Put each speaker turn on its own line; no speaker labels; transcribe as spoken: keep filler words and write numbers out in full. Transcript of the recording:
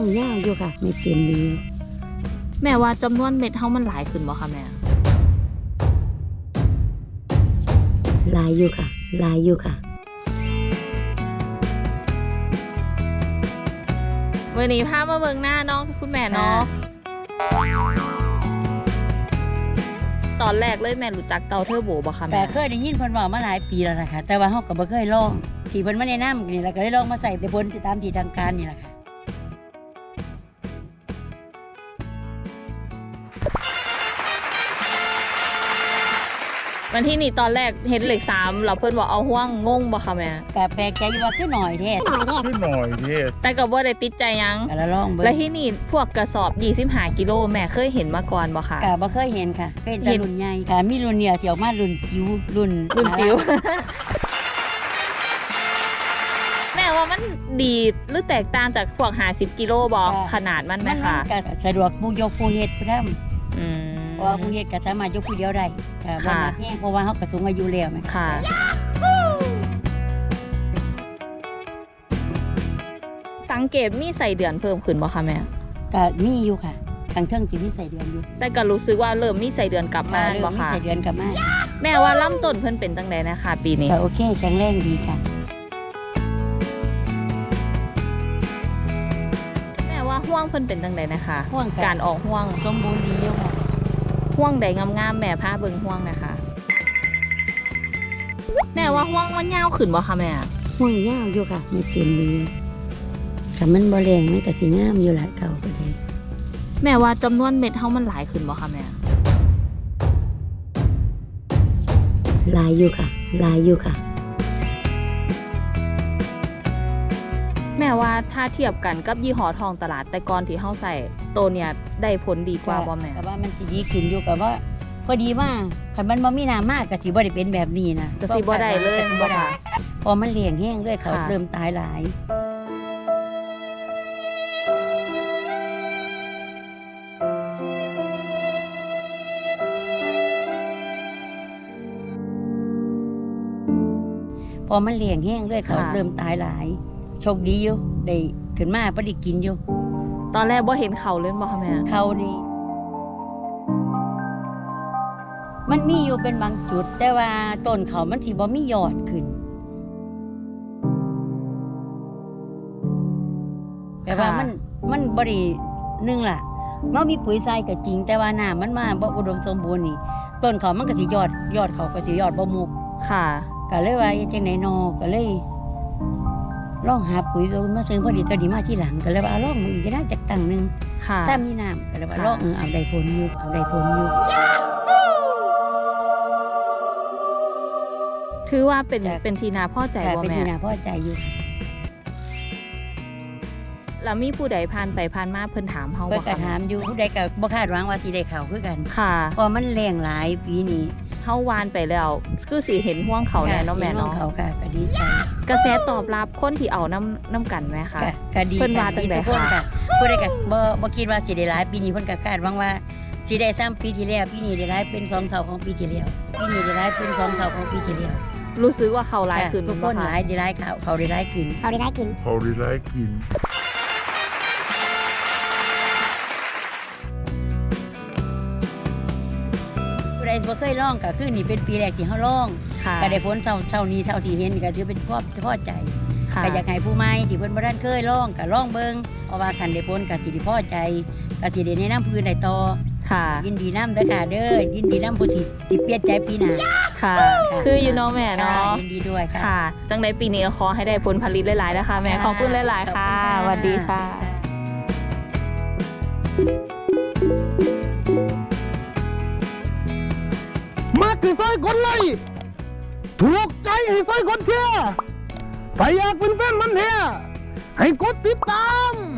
วงยาวอยู่ค่ะไม่เต็มดี
แม่ว่าจำนวนเม็ดเฮามันหลายขึ้นบ่คะแม่
หลายอยู่ค่ะหลายอยู่ค่ะ
วันนี้พามาเบิ่งหน้าน้องคุณแม่เนาะตอนแรกเลยแม่รู้จักเตาเทอร์โบบ่คะแม่
แต่เคยได้ยินเพิ่นว่ามาหลายปีแล้วนะคะแต่ว่าเฮาก็บ่เคยลองที่เพิ่นมาแนะนำนี่แล้วก็ได้ลองมาใส่ในบนตามที่ทางการนี่แหละค่ะ
วันที่นี่ตอนแรกเห็นเหล็กสามเราเพิ่นบอกเอาห่วงงงบ่คะแม่
ก็แปลกใจอยู่ว่าคือหน่อยแท้
คือหน่อยแท้
แต่ก็บ่ได้ติดใจยัง
ก็ลองเบิ่ง
แล้วที่นี่พวกกระสอบยี่สิบห้ากิโลแม่เคยเห็นมาก่อนบ่คะ
ก็บ่เคยเห็นค่ะเคยแต่รุ่นใหญ่ค่ะมีรุ่นเนี่ยที่ออกมารุ่นจิ๋วรุ่น
รุ่นจิ๋วแม่ว่ามันดีหรือแตกต่างจากพวกห้าสิบกิโลบ่ขนาดมันไหมคะ
มันก็สะดวกผู้ยกผู้เฮ็ดผู้ทำ
อืม
เพราะว่าผู้เฮ็ดก็สามารถยกผู้เดียวได้ค่ะบ่หนักแฮงเพราะว่าเฮาก็สูงอายุแล้วแม่
ค่ะสังเกตมีใส่เดือนเพิ่มขึ้นบ่คะแม่
ก็มีอยู่ค่ะทางเทิงสิมีใส่เดือนอยู่
แต่ก็รู้สึกว่าเริ่มมีใส่เดือนกลับมาบ่คะ
มีใส่เดือนกลับมา
แม่ว่าลำต้นเพิ่นเป็นจังได๋นะคะปีนี้
ก็โอเคแข็งแรงดีค่ะ
แม่ว่าห่วงเพิ่นเป็นจังได๋นะคะ
ห่วง
การออกห่วง
สมบูรณ์ดีอยู่ค่ะ
ห่วงใดงามๆแม่พาเบิ่งห่วงนะคะแม่ว่าห่วงมันยาวขึ้นบ่คะแม่
ห่วงยาวอยู่ค่ะไม่เต็มดีถ้ามันบ่แรงมันก็สิงามอยู่ล่ะเก่าก็ได้
แม่ว่าจำนวนเม็ดเฮามันหลายขึ้นบ่คะแม่
หลายอยู่ค่ะหลายอยู่ค่ะ
แม่ว่าถ้าเทียบกันกับยี่ห้อทองตลาดแต่ก่อนที่เฮาใส่ตัวเนี่ยได้ผลดีกว่าบ่แม่
ก็ว่ามันสิดีขึ้นอยู่กับว่าพอดีว่าคันมันบ่มีน้ำมากก็สิบ่ได้เป็นแบบนี้นะ
ก็สิบ่ได้เลย
บ่ได้พอมันเลี้ยงแห้งเลยเขาเริ่มตายหลายพอมันเลี้ยงแห้งเลยเขาเริ่มตายหลายโชคดีอยู่ได้ขึ้นมาบ่ได้กินอยู่
ตอนแรกบ่เห็นเขาเลยบ่คะแม่
เขานี่มันมีอยู่เป็นบางจุดแต่ว่าต้นเขามันสิบ่มียอดขึ้นแปลว่ามันมันบ่ได้นึงล่ะมันมีปุ๋ยทรายก็จริงแต่ว่าน้ำมันมาบ่อุดมสมบูรณ์นี่ต้นเขามันก็สิยอดยอดเขาก็สิยอดบ่มุก
ค่ะ
ก็เลยว่าจังได๋นอก็เลยลองหาปุ๋ยมาซื้อพอดีตัวนี้มาที่หลังก็เลยว่าลองมันอีกน่าจักตั้งนึง
ค่ะ
ถ้ามีน้ำก็เลยว่าลองเออเอาได้ผลอยู่เอาได้ผลอยู่
ถือว่าเป็นเป็นทีนาพ่อใจบ่แม่
เป็นทีนาพ่อใจอยู่
แล้วมีผู้ใดผ่านไปผ่านมาเพิ่นถามเฮาบ่
คะเพิ่นก็ถามอยู่ผู้ใดก็บ่คาดหวังว่าสิได้เข้าคือกัน
ค่ะ
เพราะมันแรงหลายปีนี้
เฮาวานไปแล้วคือสิเห็นห่วงเขาแน่เนาะแม่เนาะ
เขาค่ะก็ดีใจ
กระแสตอบรับคนที่เอาน้ำน้ำกันไหมคะ
ก็ดี
เพิ่นว่าจังได๋
ค่ะผู้ใดก็บ่บ่คิดว่าสิได้หลายปีนี้เพิ่นก็คาดหวังว่าสิได้ซ้ำปีที่แล้วปีนี้ได้หลายเป็นสองเท่าของปีที่แล้วปีนี้ได้หลายเป็นสองเท่าของปีที่แล้ว
รู้สึกว่าเขาหลายขึ้น
ทุกคนหลายได้หลายเขาเขาได้หลายขึ้น
เขาได้หลายขึ้นเขาได้หลายขึ้น
ผู้ใดบ่เคยลองก็คือนี่เป็นปีแรกที่เฮาลองก็ได้ผลเท่าเท่านี้เท่าที่เห็นก็ถือเป็นความพอใจก็อยากให้ผู้ใหม่ที่เพิ่นบ่ทันเคยลองก็ลองเบิ่งเพราะว่าคันได้ผลก็สิได้พอใจก็สิได้แนะนำผู้อื่นได้ต่อ
ค่ะ
ยินดีนำเด้อค่ะเด้อยินดีนำผู้ที่สิเปลี่ยนใจปีหน้า
ค่ะคืออยู่เนาะแม่เนาะ
ยินดีด้วยค่ะ
ค่ะจังได๋ปีนี้ก็ขอให้ได้ผลผลิตหลายๆนะคะแม่ขอบคุณหลายๆค่ะสวัสดีค่ะ
มากที่ซอยกดไลค์ถูกใจให้ซอยกดแชร์ถ้าอยากเป็นแฟนมันแท้ให้กดติดตาม